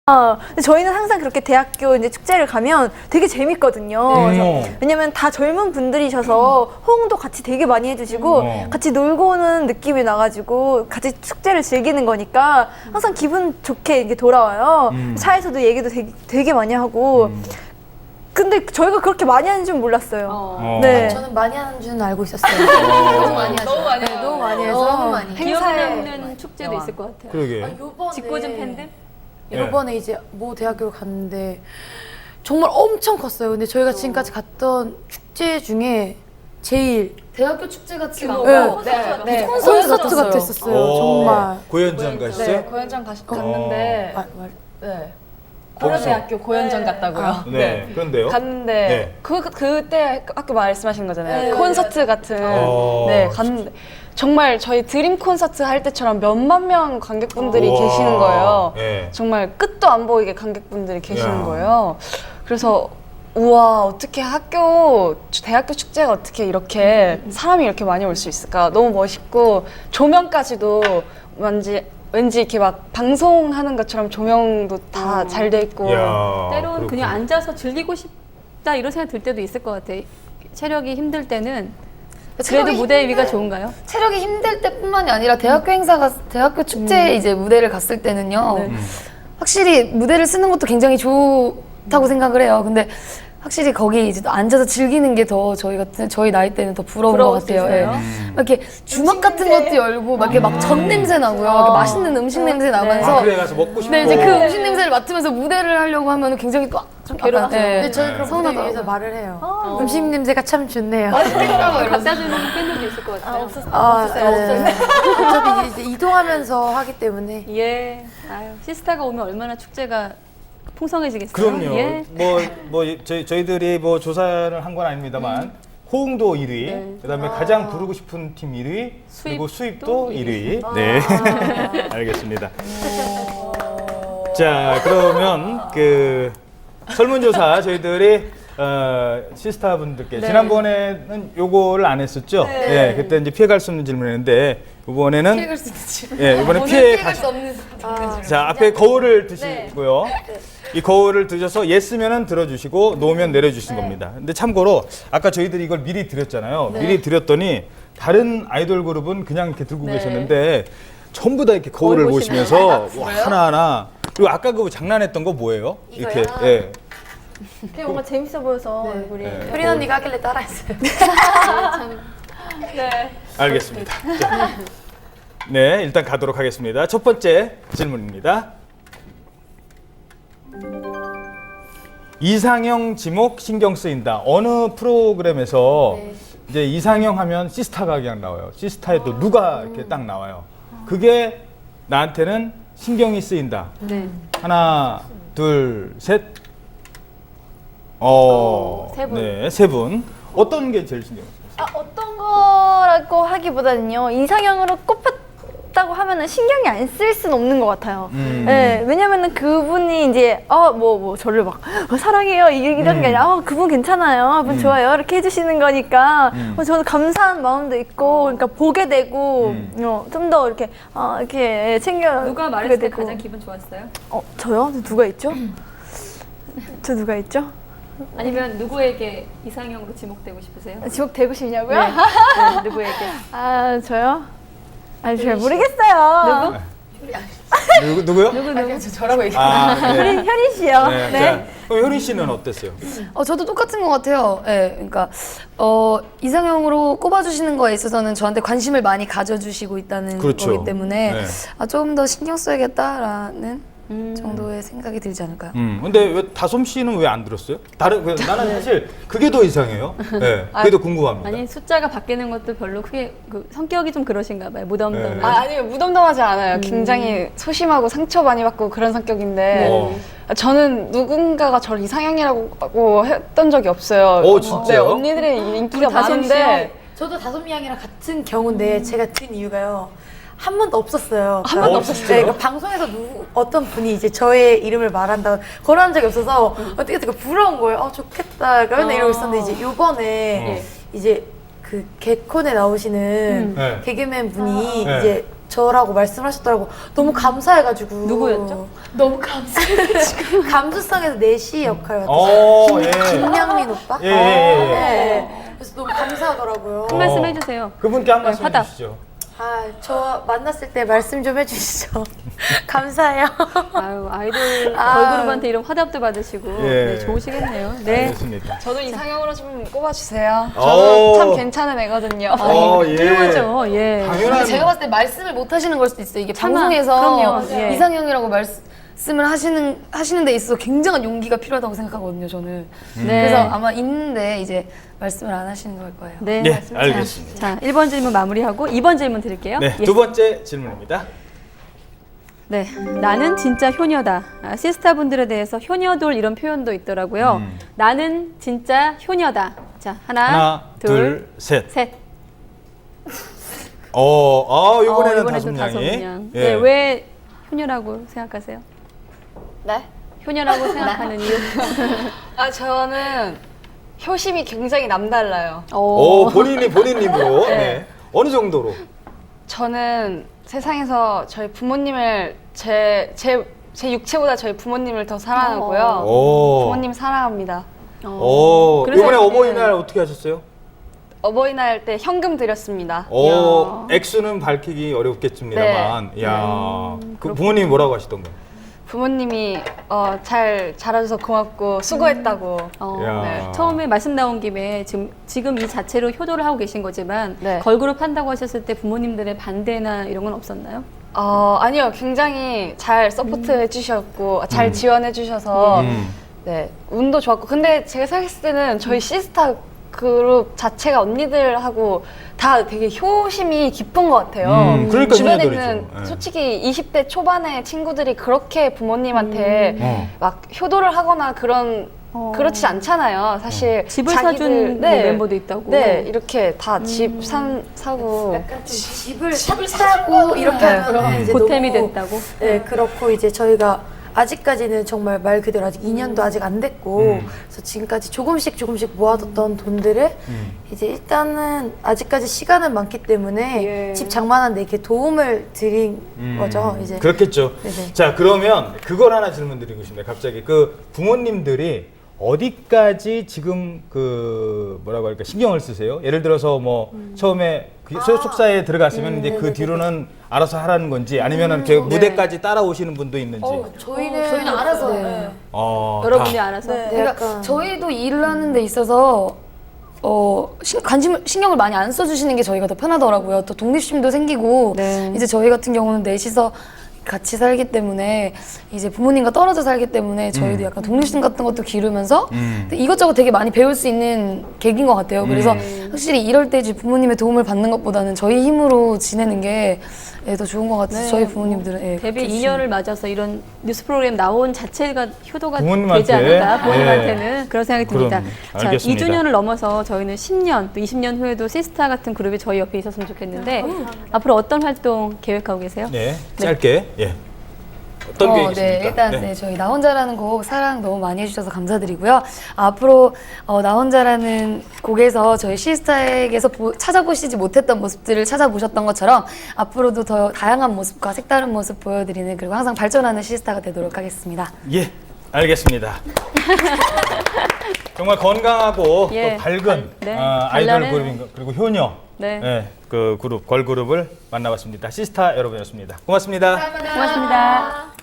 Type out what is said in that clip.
근데 저희는 항상 그렇게 대학교 이제 축제를 가면 되게 재밌거든요. 왜냐면 다 젊은 분들이셔서 호응도 같이 되게 많이 해주시고 같이 놀고 오는 느낌이 나가지고 같이 축제를 즐기는 거니까 항상 기분 좋게 이렇게 돌아와요. 차에서도 얘기도 되게 많이 하고. 근데 저희가 그렇게 많이 하는 줄 몰랐어요. 네. 저는 많이 하는 줄은 알고 있었어요. 너무 많이 하죠. 너무 많이 네, 너무 많이 해서 너무 많이. 기억에 남는 축제도 있을 것 같아요. 그러게. 요번에 짓궂은 팬들? 요번에 이제 모 대학교를 갔는데 정말 엄청 컸어요. 근데 저희가 지금까지 갔던 축제 중에 제일 대학교 축제 같이 네. 네. 콘서트 같았었어요. 정말. 고현장 가시죠? 네, 고현장 갔는데 네. 거기서? 고려대학교 고현장 갔다고요. 네. 그런데요? 갔는데 네. 그때 아까 말씀하신 거잖아요. 콘서트 같은 어. 네 갔는데 정말 저희 드림 콘서트 할 때처럼 몇만 명 관객분들이 우와. 계시는 거예요. 네. 정말 끝도 안 보이게 관객분들이 계시는 야. 거예요. 그래서 우와, 어떻게 대학교 축제가 어떻게 이렇게 사람이 이렇게 많이 올 수 있을까? 너무 멋있고 조명까지도 왠지 이렇게 막 방송하는 것처럼 조명도 다 잘 돼 있고 이야, 때론 그렇군요. 그냥 앉아서 즐기고 싶다 이런 생각 들 때도 있을 것 같아요. 체력이 힘들 때는 그래도 무대 위가 좋은가요? 체력이 힘들 때뿐만이 아니라 대학교 축제에 이제 무대를 갔을 때는요. 확실히 무대를 쓰는 것도 굉장히 좋다고 생각을 해요. 근데 확실히 거기 이제 또 앉아서 즐기는 게 더 저희 나이 때는 더 부러운 것 같아요. 예. 막 이렇게 주막 같은 것도 열고 막 이렇게 막 전 냄새 나고요. 막 이렇게 맛있는 음식 냄새 나면서 아, 그래 가서 먹고 싶고. 네, 이제 그 음식 냄새를 맡으면서 무대를 하려고 하면 굉장히 또 좀 괴롭죠. 네. 저희 그럼 무대 위에서 말을 해요. 음식 냄새가 참 좋네요. 갖다 주는 팬들도 있을 것 같아요. 없었어요. 어차피 이제 이동하면서 하기 때문에. 예. 아유, 시스타가 오면 얼마나 축제가 풍성해지겠어요. 그럼요. 예. 저희들이 뭐 조사를 한 건 아닙니다만 호응도 1위, 그다음에 가장 부르고 싶은 팀 1위, 그리고 수입도 1위. 네, 알겠습니다. 자, 그러면 그 설문조사 저희들이 시스타 분들께 지난번에는 요거를 안 했었죠? 네. 그때 이제 피해갈 수 없는 질문이었는데 이번에는 피해갈 수 있는 질문. 예, 이번에 피해갈 수 없는. 자, 앞에 거울을 드시고요. 이 거울을 드셔서 예스면은 들어주시고 노면 내려주신 겁니다. 근데 참고로 아까 저희들이 이걸 미리 드렸잖아요. 미리 드렸더니 다른 아이돌 그룹은 그냥 이렇게 들고 계셨는데 전부 다 이렇게 거울을 보시면서 하나하나. 그리고 아까 그 장난했던 거 뭐예요? 이렇게. 예. 되게 뭔가 재밌어 보여서 얼굴이. 효린 언니가 하길래 따라했어요. 알겠습니다. 자, 네, 일단 가도록 하겠습니다. 첫 번째 질문입니다. 이상형 지목 신경 쓰인다. 어느 프로그램에서 이제 이상형 하면 시스타가 그냥 나와요. 시스타에 또 누가 이렇게 딱 나와요. 그게 나한테는 신경이 쓰인다. 하나, 둘, 셋. 세 분. 네, 세 분. 어떤 게 제일 신경 쓰여요? 어떤 거라고 하기보다는요, 이상형으로 꼽혔다고 하면은 신경이 안 쓸 수는 없는 것 같아요. 네, 왜냐면은 그분이 이제 저를 막 사랑해요 이런 게 아니라 그분 괜찮아요, 그분 좋아요 이렇게 해주시는 거니까 저는 감사한 마음도 있고, 그러니까 보게 되고 좀 더 이렇게 이렇게 챙겨. 누가 말했을 때 가장 기분 좋았어요? 저요? 누가 있죠? 저 누가 있죠? 아니면 누구에게 이상형으로 지목되고 싶으세요? 지목 되고 싶냐고요? 네, 누구에게? 저요? 잘 모르겠어요. 누구요? 저라고 얘기해요. 아, 네. 효린 씨요. 네. 자, 그럼 효린 씨는 어땠어요? 저도 똑같은 것 같아요. 네, 그러니까 이상형으로 꼽아주시는 거에 있어서는 저한테 관심을 많이 가져주시고 있다는 그렇죠. 거기 때문에 네. 조금 더 신경 써야겠다라는 정도의 생각이 들지 않을까요? 근데 왜 다솜 씨는 왜 안 들었어요? 나는 사실 그게 더 이상해요. 네, 그게 더 궁금합니다. 아니, 숫자가 바뀌는 것도 별로 크게 성격이 좀 그러신가 봐요. 무덤덤해. 네. 아니요, 무덤덤하지 않아요. 굉장히 소심하고 상처 많이 받고 그런 성격인데 저는 누군가가 저를 이상형이라고 했던 적이 없어요. 진짜요? 네, 언니들의 인기가 많은데 저도 다솜 양이랑 같은 경우인데 제가 든 이유가요. 한 번도 없었어요. 한 번도 없었어요? 네, 그러니까 방송에서 어떤 분이 이제 저의 이름을 말한다고 그런 적이 없어서 되게 부러운 거예요. 좋겠다. 맨날 이러고 있었는데 이제 요번에 이제 그 개콘에 나오시는 네. 개그맨 분이 네. 이제 저라고 말씀하셨더라고. 너무 감사해가지고. 누구였죠? 너무 감사해가지고. 감수성에서 내시 역할 예. 김양민 오빠? 예. 네. 그래서 너무 감사하더라고요. 한 말씀 해주세요. 그분께 한 말씀 화답. 해주시죠. 아, 저 만났을 때 말씀 좀 해주시죠. 감사해요. 아유, 아이돌 걸그룹한테 이런 화답도 받으시고 예. 네, 좋으시겠네요. 네. 알겠습니다. 저도 이상형으로 좀 꼽아주세요. 오. 저는 참 괜찮은 애거든요. 예. 훌륭하죠. 예. 당연한. 제가 봤을 때 말씀을 못 하시는 걸 수도 있어요. 이게 차마, 방송에서 그럼요. 예. 이상형이라고 말씀을 하시는 데 있어서 굉장한 용기가 필요하다고 생각하거든요, 저는. 네. 그래서 아마 있는데 이제 말씀을 안 하시는 걸 거예요. 네. 네, 알겠습니다. 자, 1번 질문 마무리하고 2번 질문 드릴게요. 네, 예. 두 번째 질문입니다. 네, 나는 진짜 효녀다. 시스타분들에 대해서 효녀돌 이런 표현도 있더라고요. 나는 진짜 효녀다. 자, 하나, 둘, 셋. 셋. 이번에는 이번에도 다섯 다섯 명이. 명. 예. 네, 왜 효녀라고 생각하세요? 네? 효녀라고 생각하는 이유? 저는 효심이 굉장히 남달라요. 본인 입으로. 네. 어느 정도로? 저는 세상에서 저희 부모님을 제 육체보다 저희 부모님을 더 사랑하고요. 부모님 사랑합니다. 그래서 이번에 어버이날 어떻게 하셨어요? 어버이날 때 현금 드렸습니다. 액수는 밝히기 어렵겠습니다만. 네. 야, 그 부모님이 뭐라고 하시던가요? 부모님이 잘 자라줘서 고맙고 수고했다고. 야. 네. 처음에 말씀 나온 김에 지금 이 자체로 효도를 하고 계신 거지만 네. 걸그룹 한다고 하셨을 때 부모님들의 반대나 이런 건 없었나요? 아니요, 굉장히 잘 서포트 해주셨고 잘 지원해 주셔서 네, 운도 좋았고. 근데 제가 생각했을 때는 저희 시스타 그룹 자체가 언니들하고 다 되게 효심이 깊은 것 같아요. 그러니까 주변에 효녀들이죠. 있는 예. 솔직히 20대 초반의 친구들이 그렇게 부모님한테 막 효도를 하거나 그렇지 않잖아요. 사실 집을 사준 뭐 멤버도 있다고. 네, 이렇게 다 집 사고. 약간 좀 집을 샀다고 이렇게 하면 이제 보탬이 너무, 됐다고. 네, 그렇고 이제 저희가 아직까지는 정말 말 그대로 아직 2년도 아직 안 됐고 그래서 지금까지 조금씩 모아뒀던 돈들을 이제 일단은 아직까지 시간은 많기 때문에 집 장만하는 데 이렇게 도움을 드린 거죠. 이제 그렇겠죠. 네네. 자, 그러면 그걸 하나 질문 드리고 싶네요. 갑자기 그 부모님들이 어디까지 지금 그 뭐라고 할까 신경을 쓰세요? 예를 들어서 뭐 처음에 그 소속사에 들어갔으면 이제 그 뒤로는 알아서 하라는 건지 아니면은 제가 무대까지 따라오시는 분도 있는지. 저희는 알아서 네. 여러분이 다. 알아서. 네. 그러니까 약간. 저희도 일을 하는 데 있어서 신경을 많이 안 써주시는 게 저희가 더 편하더라고요. 또 독립심도 생기고 네. 이제 저희 같은 경우는 넷이서 같이 살기 때문에 이제 부모님과 떨어져 살기 때문에 저희도 약간 독립심 같은 것도 기르면서 이것저것 되게 많이 배울 수 있는 계기인 것 같아요. 그래서 확실히 이럴 때 이제 부모님의 도움을 받는 것보다는 저희 힘으로 지내는 게 더 좋은 것 같아요. 저희 부모님들은 데뷔 그렇게 2년을 맞아서 이런 뉴스 프로그램 나온 자체가 효도가 부모님한테, 되지 않을까 부모님한테는 예. 그런 생각이 듭니다. 그럼, 자, 알겠습니다. 2주년을 넘어서 저희는 10년 또 20년 후에도 시스타 같은 그룹이 저희 옆에 있었으면 좋겠는데 앞으로 어떤 활동 계획하고 계세요? 네, 짧게. 예. 어떤 게 있습니까? 네, 일단 저희 나 혼자라는 곡 사랑 너무 많이 해주셔서 감사드리고요. 앞으로 나 혼자라는 곡에서 저희 시스타에게서 찾아보시지 못했던 모습들을 찾아보셨던 것처럼 앞으로도 더 다양한 모습과 색다른 모습 보여드리는 그리고 항상 발전하는 시스타가 되도록 하겠습니다. 예, 알겠습니다. 정말 건강하고 예, 또 밝은 네, 아이돌 발랄한- 그룹인 그리고 효녀 네. 그 그룹 걸그룹을 만나봤습니다. 시스타 여러분이었습니다. 고맙습니다. 고맙습니다.